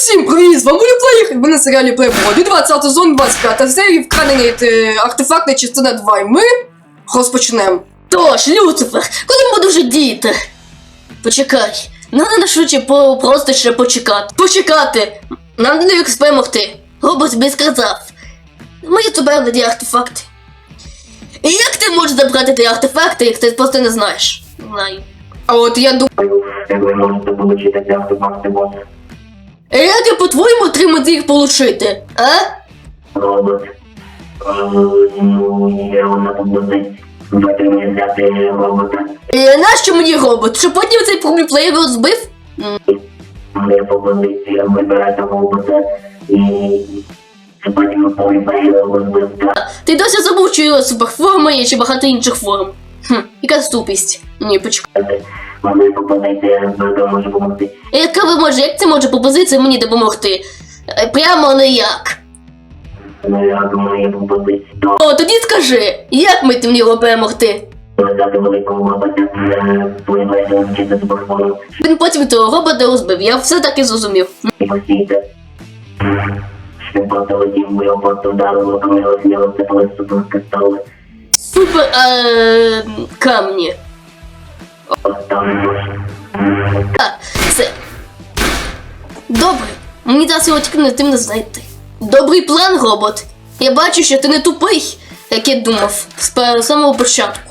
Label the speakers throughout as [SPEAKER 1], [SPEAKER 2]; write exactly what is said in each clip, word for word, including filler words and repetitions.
[SPEAKER 1] Усім привіт, з вами Плеєр, ви на серіалі Playboy, і двадцятий сезон, двадцять п'ята серія, вкрадені артефактна частина два, і ми розпочнемо.
[SPEAKER 2] Тож, Люцифер, коли ми дуже діяти? Почекай, нам треба швидше по просто ще почекати. Почекати! Нам не дають перемогти. Робот тобі сказав. Ми забрали ті артефакти. І як ти можеш забрати ті артефакти, як ти просто не знаєш? Знаю.
[SPEAKER 1] А от я думаю,
[SPEAKER 3] Як ви можете отримати ці артефакти, бос?
[SPEAKER 2] Як я по-твоєму отримати їх получити, а?
[SPEAKER 3] Робот. Е, Ну, є одна пропозиція. Доки мені взяти робота.
[SPEAKER 2] І нащо мені робот? Що потім цей проблюплеєр розбив?
[SPEAKER 3] Моя пропозиція вибирати робота і... Це потім поліпає розбив.
[SPEAKER 2] Ти досі забув, що його суперформа є чи багато інших форм. Хм, яка ступість. Ні, почекай.
[SPEAKER 3] Моя пропозиція може допомогти.
[SPEAKER 2] Яка ви може, як це може пропозиція мені допомогти? Е, Прямо ніяк.
[SPEAKER 3] Ну, я думаю, є пропозиція. То
[SPEAKER 2] О, тоді скажи, як ми тим його перемогти?
[SPEAKER 3] взяти великого робота, поліпає вчити суперформу
[SPEAKER 2] Він потім того робота розбив, я все таки зрозумів.
[SPEAKER 3] і посійте. Він просто летів, бо його просто вдарило, коли його зняли, це коли суперкристали.
[SPEAKER 2] Супер е, камні.
[SPEAKER 3] Там
[SPEAKER 2] Так, це. Добре. Мені зараз його тільки не тим не знайти. Добрий план, робот. Я бачу, що ти не тупий, як я думав, з пе- самого початку.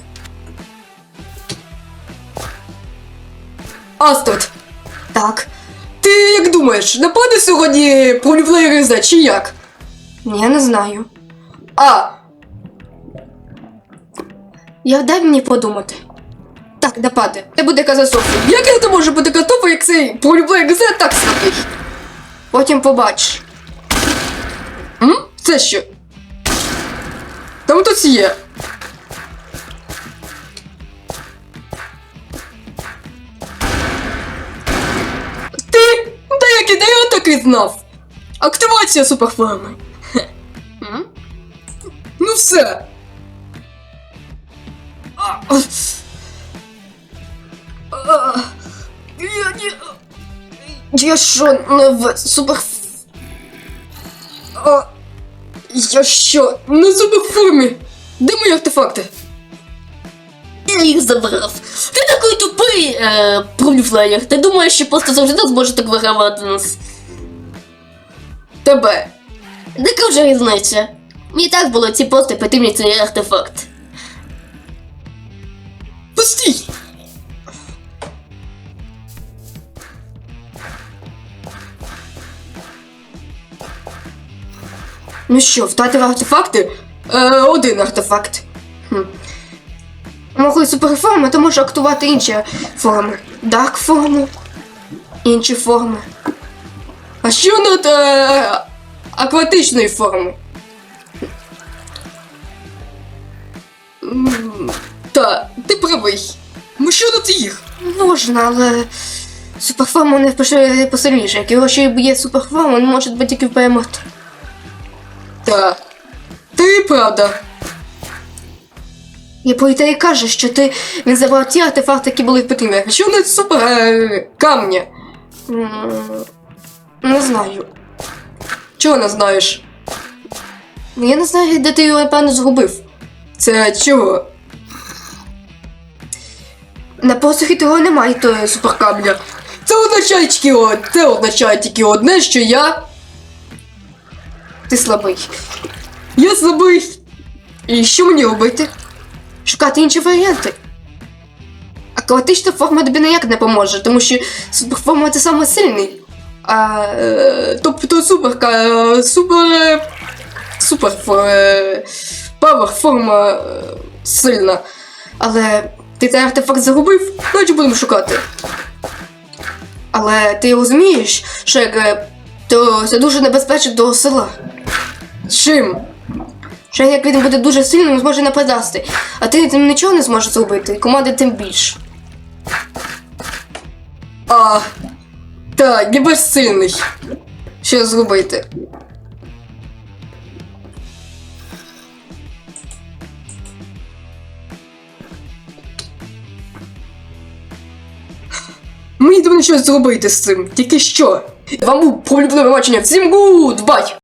[SPEAKER 1] Астрид. Так. Ти як думаєш, нападе сьогодні проблюплеєр З, чи як? Ні, я не знаю. А, я дай мені подумати. Так, нападе. Це буде катастрофа. Як це може бути катастрофа, як цей проблюплеєр З так слабий? Потім побачиш. М? Це що? Там хтось є. Ти? Та як ідея, я так і знав. Активація суперформи. Хе. М? Ну все. А, а. А, Я не... Я що, не в супер... А, я що, не в суперформі? Де мої артефакти?
[SPEAKER 2] Я їх забрав. Ти такий тупий, е, проблюплеєр. Ти думаєш, що просто завжди зможе так вигравати нас?
[SPEAKER 1] Тебе.
[SPEAKER 2] Яка вже різниця? Мені так було ці просто потрібні цей артефакт.
[SPEAKER 1] Пустій! Ну що, втратив артефакти? Е, один артефакт. Хм. Могли суперформи, то можу актувати інші форми. Дарк форму, інші форми. А що над е, акватичної форми? М, Та, ти правий. Ну що над їх? Можна, але суперформа не впише посильніше. Як його ще є суперформа, він може бути тільки перемогти. Та, ти правда. Я по ідеї каже, що ти він забрав ті артефакти, які були в потрібні. Що не супер е, камня? М, Не знаю. Чого не знаєш? Я не знаю, де ти його, напевно, згубив. Це чого? На посухі того немає того суперкамня. Це означає тільки од... Це означає тільки одне, що я... Ти слабий. Я слабий. І що мені робити? Шукати інші варіанти. Акватична форма тобі ніяк не поможе, тому що суперформа це саме сильний. А, е, тобто суперка, е, супер... Супер... Е, павер форма е, сильна. Але ти цей артефакт загубив, значить будемо шукати. Але ти розумієш, що як, е, то це дуже небезпечно до села. Чим? Що як він буде дуже сильним, зможе нападати. А ти тим нічого не зможеш зробити, команди тим більше. А, так, я безсильний. Що зробити? Мені треба щось зробити з цим. Тільки що? Вам був полюблене бачення. Всім гуд, бай!